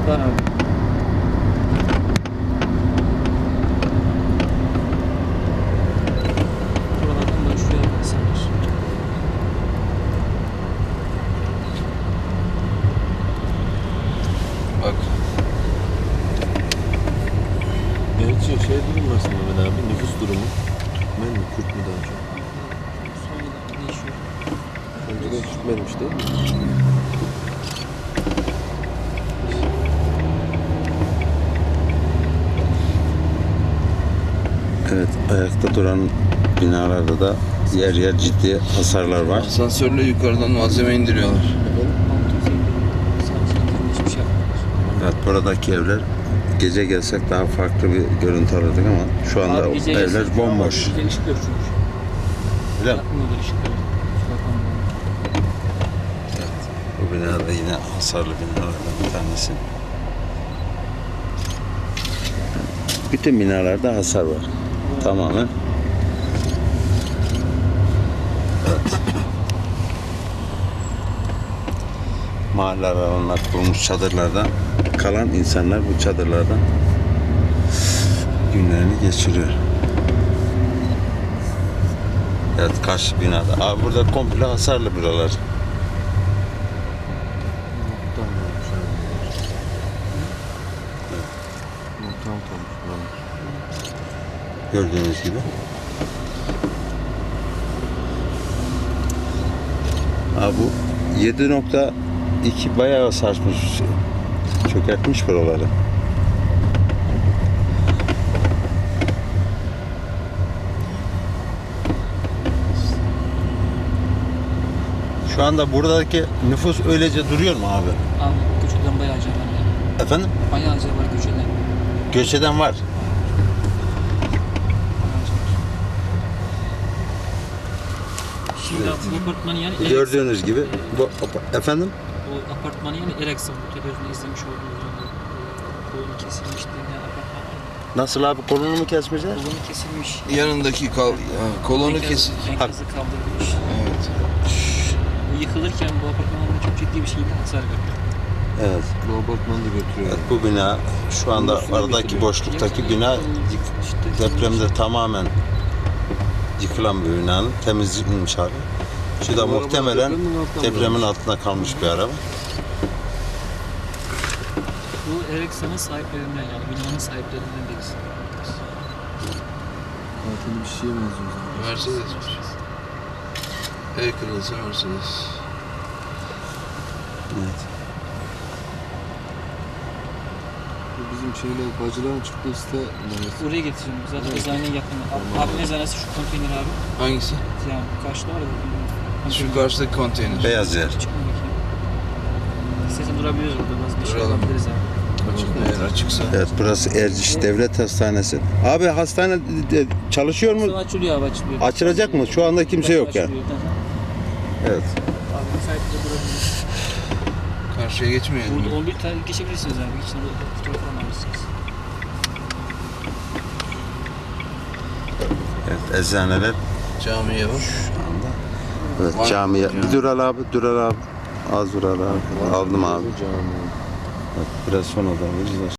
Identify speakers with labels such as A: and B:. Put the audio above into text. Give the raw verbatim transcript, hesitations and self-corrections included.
A: Var abi. Buralardan başlıyor insanlar.
B: Bak.
C: Gerçi şey durum aslında Mehmet abi, nüfus durumu. Türkmen mi, Kürt mü daha çok?
A: Sonradan değişiyor.
C: Önceden Türkmenmiş değil mi?
D: Evet, ayakta duran binalarda da yer yer ciddi hasarlar var.
B: Asansörle yukarıdan malzeme indiriyorlar.
A: Sadece indirimde hiçbir şey yapmıyorlar.
D: Evet, buradaki evler gece gelsek daha farklı bir görüntü alırdık ama şu anda
A: Abi gece
D: evler
A: gelsek
D: bomboş.
A: Güzel ışık yok çünkü.
D: Öyle mi?
A: Yakmıyorlar ışıkları.
D: Bu bina da yine hasarlı binalardan bir tanesi. Bütün binalarda hasar var. Tamamen. Evet. Mahalle aralarına kurulmuş çadırlardan kalan insanlar bu çadırlardan günlerini geçiriyor. Evet, karşı binada. Abi burada komple hasarlı buralar.
C: Muhtan olmuş abi. Muhtan olmuş buranın.
D: Gördüğünüz gibi. Abi bu yedi nokta iki bayağı sarsmış. Çökertmiş buraları. Şu anda buradaki nüfus öylece duruyor mu abi?
A: Abi göç eden bayağı acı var yani.
D: Efendim?
A: Bayağı acı var göç eden.
D: Göç eden var.
A: Şimdi bu apartmanı yani Ereksan.
D: Gördüğünüz gibi. Bu, efendim?
A: Bu apartmanı yani Ereksan. Bu televizyonda izlemiş olduğunuz gibi. Kolunu kesilmiş diye apartman var.
D: Nasıl abi, kolunu mu kesmişler?
A: Kolunu kesilmiş.
B: Yanındaki kal ha, kolonu
A: Enkaz-
B: kesin.
A: Enkazı kaldırılmış.
B: Evet.
A: Bu yıkılırken bu apartmanın çok ciddi bir şekilde hasar görüyor.
D: Evet.
C: Bu apartmanı da götürüyor.
D: Evet, bu bina şu anda
C: Üstüne
D: aradaki
C: götürüyor.
D: boşluktaki bina yık-
A: İşte
D: depremde tamamen yıkılan bir binanın temizlenmiş hali. Şu da
C: Bu araba
D: muhtemelen
C: depremin altında
D: depremin
C: mı?
D: altında kalmış bir araba.
A: bu Ereksan'ın sahiplerinden yani binanın sahiplerinden birisi.
C: Zaten bir şeye benziyor zaten.
B: Mercedes'miş. El kırılsa Mercedes.
D: Evet.
C: Bu bizim şeyler, bacıların çıktığı site neresi?
A: Oraya getireceğim. Zaten
C: Evet.
A: eczaneye yakın.
C: Tamam.
A: Abi eczanesi şu konteyner abi.
B: Hangisi?
A: Yani karşıda var ya. bu
B: Şu
A: konteyner.
B: karşıdaki konteyner.
D: Beyaz yer.
A: Çıkmadık ya. İstersen durabiliriz burada. Bazı bir şey
B: Duralım.
A: yapabiliriz abi.
B: Açık, eğer açıksa.
D: Evet, burası Erciş Devlet Hastanesi. Abi hastane de- çalışıyor
A: Sonra
D: mu?
A: açılıyor abi açılıyor.
D: Açılacak mı? Şu anda kimse yok ya.
A: Açılıyor. Hı hı.
D: Evet.
A: Abi müsaitte durabiliriz.
B: Karşıya geçmeyelim.
A: Burada on bir tane geçebilirsiniz abi. Geçin burada fotoğraf falan alırsınız.
D: Evet, eczaneler
B: Camiye bak.
D: şu anda. Evet,
B: Var.
D: camiye.
B: Cami.
D: Bir dur al abi, dur al abi. Az dur al abi. Aldım abi.
C: Cami.
D: Evet, biraz sonra da veririz.